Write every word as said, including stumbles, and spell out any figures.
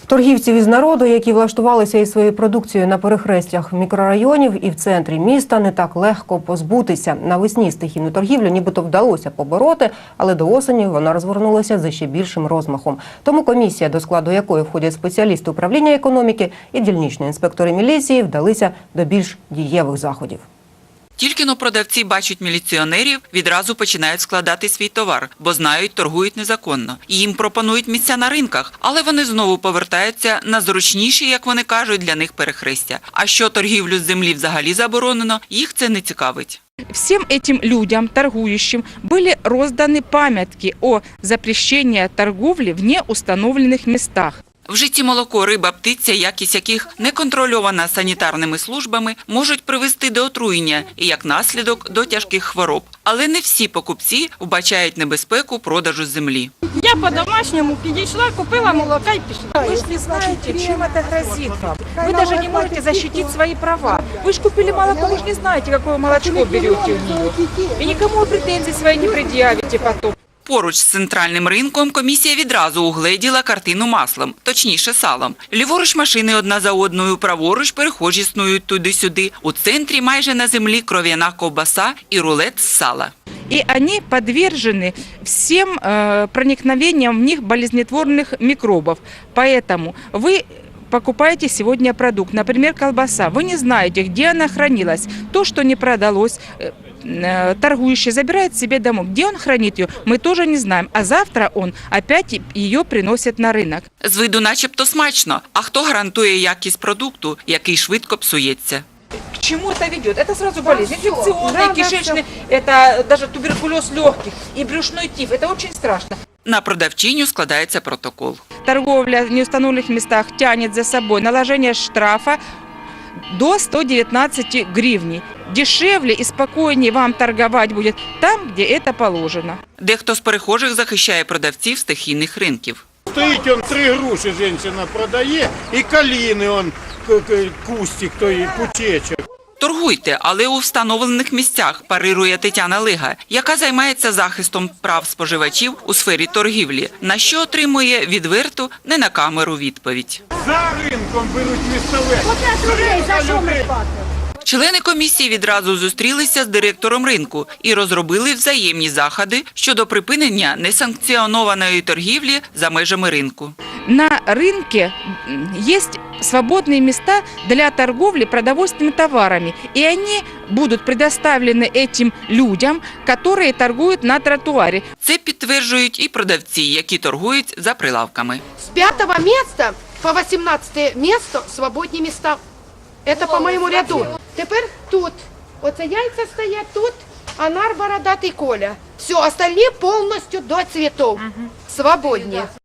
Торгівців із народу, які влаштувалися із своєю продукцією на перехрестях мікрорайонів і в центрі міста, не так легко позбутися. Навесні стихійну торгівлю нібито вдалося побороти, але до осені вона розгорнулася за ще більшим розмахом. Тому комісія, до складу якої входять спеціалісти управління економіки і дільничні інспектори міліції, вдалися до більш дієвих заходів. Тільки-но продавці бачать міліціонерів, відразу починають складати свій товар, бо знають, торгують незаконно. І їм пропонують місця на ринках, але вони знову повертаються на зручніші, як вони кажуть, для них перехрестя. А що торгівлю з землі взагалі заборонено, їх це не цікавить. Всем этим людям, торгующим, были розданы памятки о запрещении торговли в неустановленных местах. В житті молоко, риба, птиця, якість яких не контрольована санітарними службами, можуть привести до отруєння і, як наслідок, до тяжких хвороб. Але не всі покупці вбачають небезпеку продажу землі. Я по-домашнему підійшла, купила молока і пішла. Вы же не знаете, чем это грозит вам. Вы даже не можете защитить свои права. Вы же купили молоко, вы же не знаете, какое молочко берете у нее. И никому претензий свои не предъявите потом. Поруч з центральним ринком комісія відразу угледіла картину маслом, точніше салом. Ліворуч машини одна за одною, праворуч перехожі снують туди-сюди. У центрі майже на землі кров'яна ковбаса і рулет з сала. И они подвержены всем э, проникновениям в них болезнетворных микробов. Поэтому вы покупаете сегодня продукт, например, колбаса. Вы не знаете, где она хранилась. То, что не продалось, э, торгующий забирает себе домой. Где он хранит ее, мы тоже не знаем. А завтра он опять ее приносит на рынок. З виду начебто смачно. А хто гарантує якість продукту, який швидко псується? К чему это ведет? Это сразу болезнь. Инфекционные, кишечные, это даже туберкулез легких и брюшной тиф. Это очень страшно. На продавчиню складається протокол. Торговля в неустановленных местах тянет за собой наложение штрафа до ста девятнадцати гривней. Дешевле и спокойнее вам торговать будет там, где это положено. Дехто з перехожих захищає продавців стихійних ринків. Стоїть он три груші жінка продає і каліни он кустик, той пучечок. Торгуйте, але у встановлених місцях, парирує Тетяна Лига, яка займається захистом прав споживачів у сфері торгівлі, на що отримує відверту, не на камеру відповідь. За ринком беруть місцеве. Члени комісії відразу зустрілися з директором ринку і розробили взаємні заходи щодо припинення несанкціонованої торгівлі за межами ринку. На рынке есть свободные места для торговли продовольственными товарами. И они будут предоставлены этим людям, которые торгуют на тротуаре. Це підтверджують і продавці, які торгують за прилавками. С пятого места по восемнадцатое место свободні места. Это по моему ряду. Тепер тут. Оце яйця стоять тут, а нар бородатий Коля. Все, остальные полностью до цветов. Свободні.